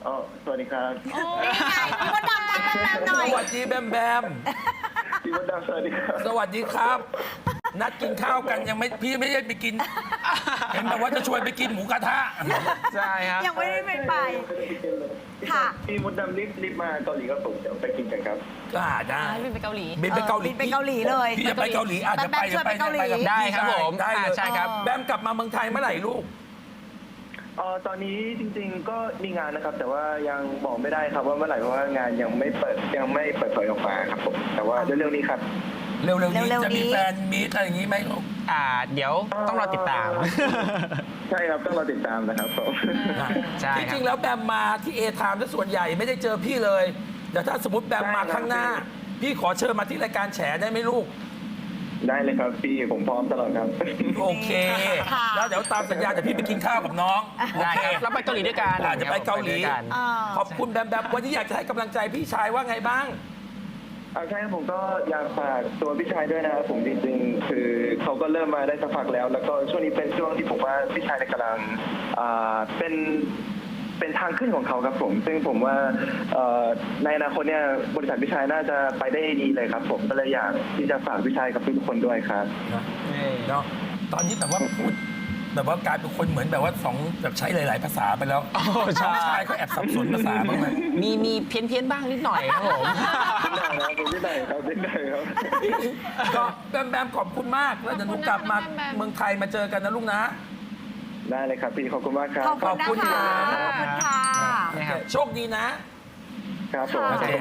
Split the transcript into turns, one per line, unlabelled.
อ๋อสวัสดีครับ
นี่ไงพี่มดดำทักแบมหน่อย
สวัสดีแบมแบม
พี่มดดำสวัสดีครับ
สวัสดีครับ นัดกินข้าวกันยังไม่พี่ไม่ได้ไปกิน เห็นแบบว่าจะชวนไปกินหมูกระทะ
ใช่ครับ
ยังไม่ได้ไป ค่ะ
พี่มดดำรีบมาเกาหลีครับผมเดี๋ยวไปกินกันครับ
ได้
บินไปเกาหลี
บินไปเกาหลี
บินไปเกาหลีเลย
พี่จะไปเกาหลีอาจจะไป
แบมชวนไปเกาหลี
กับ
ได้
พี่
ครับผม
ได้เลย
ใช่ครับ
แบมกลับมาเมืองไทยเมื่อไหร่ลูก
ตอนนี้จริงๆก็มีงานนะครับ แต่ว่ายังบอกไม่ได้ครับว่าเมื่อไหร่เพราะว่างานยังไม่เปิดเผยออกมาครับผมแต่ว่าเร็วๆนี้ครับ
เร็วๆนี้
เร็วๆ
จะมี
นี้
แฟนมีตอะไรอย่างนี้ไหมลูก
เดี๋ยวต้องรอติดตาม
ใช่ครับต้องรอติดตามนะครับผม
ใช่
จ
ครับ
ริงๆแล้วแบมมาที่เอทามส่วนใหญ่ไม่ได้เจอพี่เลย แต่ถ้าสมมติแบมมาข้างหน้า พี่ขอเชิญมาที่รายการแฉได้ไหมลูก
ได้เลยครับพี่ผมพร้อมตลอดครับ
โอเค
ค่ะ
แล้วเดี๋ยวตามสัญญาเดี๋ยวพี่ไปกินข้าวกับน้อง
ได้ครับแล้วไปเกาหลีด้วยกัน
อาจจะไปเกาหลี
ไปด้วยกัน
ขอบคุณแบมแบมวันนี้อยากจะให้กำลังใจพี่ชายว่าไงบ้าง
ใช่ครับผมก็อยากฝากตัวพี่ชายด้วยนะครับผมจริงๆคือเขาก็เริ่มมาได้สักพักแล้ว แล้วก็ช่วงนี้เป็นช่วงที่ผมว่าพี่ชายกำลังเป็นทางขึ้นของเขาครับผม ซึ่งผมว่าในอนาคตเนี่ยบริษัทพี่ชายน่าจะไปได้ดีเลยครับผมก็เลยอยากที่จะฝากพี่ชายกับทุกคนด้วยครับ
เนาะตอนนี้แบบว่าพูดแบบว่ากลายเป็นคนเหมือนแบบว่าสองแบบใช้หลาย ๆ ภาษาไปแล้ว
ใช่
น้องชายก็แอบสับสนภาษาบ้างไหม
มีเพี้ยนบ้างนิดหน่อยครับผม
ได้ครับผมไม่ได้ครับไม่ได้ครับ
ก็แบมแบมขอบคุณมากแล้วเดี๋ยวหนูกลับมาเมืองไทยมาเจอกันนะลูกนะ
ได้เลยครับพี่ขอบคุณมากครับ
ขอบคุณนะคะ ขอบคุณค่ะ
นะครับ
โชคดีนะ
ครับผม
ค่ะ